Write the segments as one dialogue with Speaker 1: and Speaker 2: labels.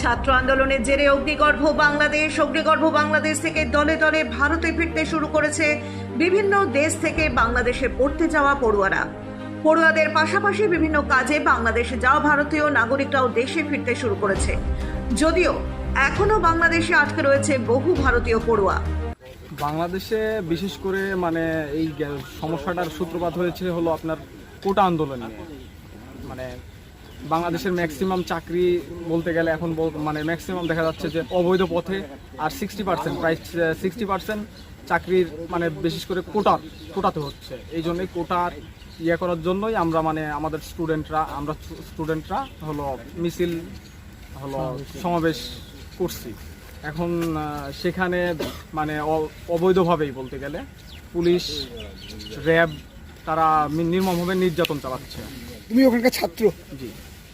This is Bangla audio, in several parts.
Speaker 1: ছাত্র আন্দোলনের জেরে অগ্নিগর্ভ বাংলাদেশ থেকে দলে দলে ভারতে ফিরতে শুরু করেছে বিভিন্ন দেশ থেকে বাংলাদেশে পড়তে যাওয়া পড়ুয়াদের পাশাপাশি বিভিন্ন কাজে বাংলাদেশে যাওয়া ভারতীয় নাগরিকরাও দেশে ফিরতে শুরু করেছে। যদিও এখনো বাংলাদেশে আটকে রয়েছে বহু ভারতীয় পড়ুয়া।
Speaker 2: বাংলাদেশে বিশেষ করে এই সমস্যাটার সূত্রপাত হয়েছে হলো আপনার কোটা আন্দোলন নিয়ে। বাংলাদেশের ম্যাক্সিমাম চাকরি বলতে গেলে এখন ম্যাক্সিমাম দেখা যাচ্ছে যে অবৈধ পথে, আর 60% প্রায় 60% চাকরির বিশেষ করে কোটাতে হচ্ছে। এই জন্যই কোটার করার জন্যই আমরা আমাদের স্টুডেন্টরা হলো মিছিল হলো সমাবেশ করছি। এখন সেখানে অবৈধভাবেই বলতে গেলে পুলিশ, র্যাব তারা নির্মমভাবে নির্যাতন চালাচ্ছে।
Speaker 3: তুমি ওখানকার ছাত্র?
Speaker 2: জি।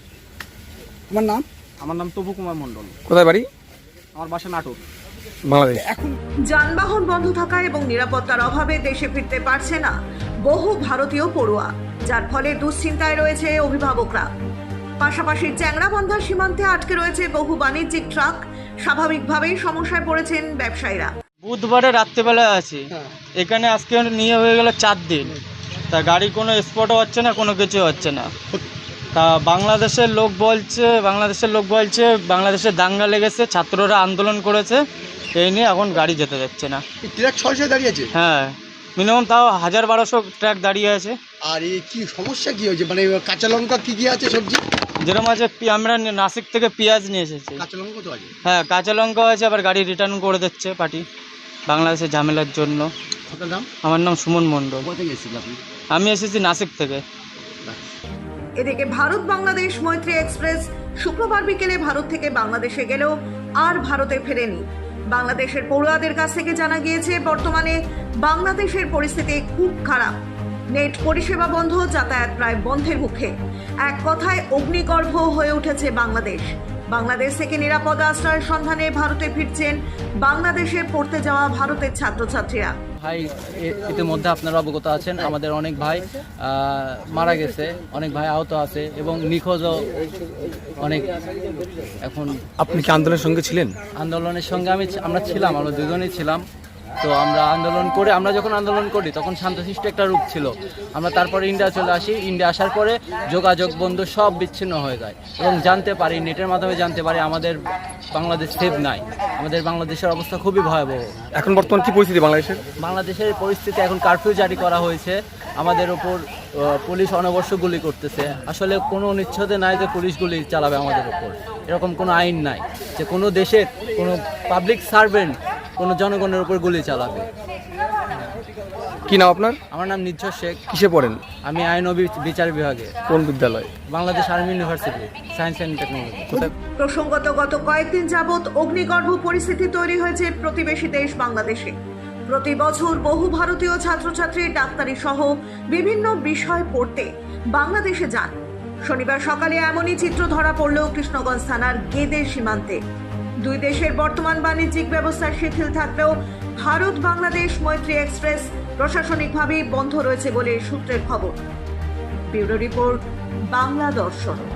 Speaker 3: আমার নাম
Speaker 2: তপু কুমার মণ্ডল।
Speaker 3: কোথায় বাড়ি?
Speaker 2: আমার বাসা নাটোর,
Speaker 3: বাংলাদেশ। এখন
Speaker 1: যানবাহন বন্ধ থাকা এবং নিরাপত্তার অভাবে দেশে ফিরতে পারছে না বহু ভারতীয় পড়ুয়া, যার ফলে দুশ্চিন্তায় রয়েছে অভিভাবকরা। পাশাপাশি চ্যাংড়াবান্ধা সীমান্তে আটকে রয়েছে বহু বাণিজ্যিক ট্রাক। স্বাভাবিকভাবেই সমস্যায় পড়েছেন ব্যবসায়ীরা।
Speaker 4: বুধবারে রাত্রেবেলায় আছি, এখানে আজকে নিয়ে হয়ে গেল 4 দিন, তা গাড়ি কোনো স্পটও হচ্ছে না, কোনো কিছু হচ্ছে না। তা বাংলাদেশের লোক বলছে বাংলাদেশে দাঙ্গা লেগেছে, ছাত্ররা আন্দোলন করেছে, এই নিয়ে এখন গাড়ি যেতে যাচ্ছে না।
Speaker 3: ট্রাক সরাসরি দাঁড়িয়ে আছে?
Speaker 4: হ্যাঁ, মিনিমাম তাও 1000-1200 ট্রাক দাঁড়িয়ে আছে।
Speaker 3: আর এই কি সমস্যা কি হয়েছে? কাঁচা লঙ্কা কি আছে, সবজি
Speaker 4: যেরকম আছে, আমরা নাসিক থেকে পেঁয়াজ নিয়ে এসেছি।
Speaker 3: কাঁচা লঙ্কা কত আছে?
Speaker 4: হ্যাঁ, কাঁচা লঙ্কা আছে, আবার গাড়ি রিটার্ন করে দিচ্ছে পার্টি বাংলাদেশের ঝামেলার জন্য।
Speaker 3: আপনার নাম?
Speaker 4: আমার নাম সুমন মণ্ডল।
Speaker 3: কোথা থেকে এসেছিলেন আপনি?
Speaker 4: আমি এসেছি নাসিক থেকে।
Speaker 1: এদিকে ভারত বাংলাদেশ মৈত্রী এক্সপ্রেস শুক্রবার বিকেলে ভারত থেকে বাংলাদেশে গেলেও আর ভারতে ফেরেনি। বাংলাদেশের পড়ুয়াদের কাছ থেকে জানা গিয়েছে বাংলাদেশের বাংলাদেশের পরিস্থিতি খুব খারাপ। নেট পরিষেবা বন্ধ, যাতায়াত প্রায় বন্ধের মুখে। এক কথায় অগ্নিগর্ভ হয়ে উঠেছে বাংলাদেশ থেকে নিরাপদ আশ্রয়ের সন্ধানে ভারতে ফিরছেন বাংলাদেশে পড়তে যাওয়া ভারতের ছাত্রছাত্রীরা।
Speaker 5: ভাই, ইতিমধ্যে আপনারা অবগত আছেন, আমাদের অনেক ভাই মারা গেছে, অনেক ভাই আহত আছে এবং নিখোঁজও অনেক। এখন
Speaker 3: আপনি কি আন্দোলনের সঙ্গে ছিলেন?
Speaker 5: আন্দোলনের সঙ্গে আমরা ছিলাম, আমরা দুজনেই ছিলাম। তো আমরা যখন আন্দোলন করি তখন শান্তশিষ্ট একটা রূপ ছিল। আমরা তারপরে ইন্ডিয়া চলে আসি। ইন্ডিয়া আসার পরে যোগাযোগ বন্ধু, সব বিচ্ছিন্ন হয়ে যায় এবং জানতে পারি, নেটের মাধ্যমে জানতে পারি আমাদের বাংলাদেশ সেফ নাই। আমাদের বাংলাদেশের অবস্থা খুবই ভয়াবহ।
Speaker 3: এখন বর্তমান কি পরিস্থিতি
Speaker 5: বাংলাদেশের পরিস্থিতি? এখন কারফিউ জারি করা হয়েছে, আমাদের ওপর পুলিশ অনবশ্য গুলি করতেছে। আসলে কোনো নিশ্চয়তা নাই যে পুলিশ গুলি চালাবে আমাদের ওপর, এরকম কোনো আইন নাই যে কোনো দেশের কোনো পাবলিক সার্ভেন্ট কোনো জনগণের উপর গুলি চালাবে।
Speaker 3: কি নাম আপনার?
Speaker 5: আমার নাম নির্ঝর শেখ।
Speaker 3: কিসে পড়েন?
Speaker 5: আমি আইন ও বিচার বিভাগে।
Speaker 3: কোন বিদ্যালয়?
Speaker 5: Bangladesh army university, science and technology.
Speaker 1: প্রসঙ্গত গত কয়েকদিন যাবৎ অগ্নিগর্ভ পরিস্থিতি তৈরি হয়েছে প্রতিবেশী দেশ বাংলাদেশে। প্রতি বছর বহু ভারতীয় ছাত্রছাত্রী ডাক্তারি সহ বিভিন্ন বিষয় পড়তে বাংলাদেশে যান। শনিবার সকালে এমনই চিত্র ধরা পড়ল কৃষ্ণগঞ্জ থানার গেদে সীমান্তে। দুই দেশের বর্তমান বাণিজ্যিক ব্যবস্থা শিথিল থাকলেও ভারত বাংলাদেশ মৈত্রী এক্সপ্রেস প্রশাসনিকভাবেই বন্ধ রয়েছে বলে সূত্রের খবর। ব্যুরো রিপোর্ট, বাংলা দর্শন।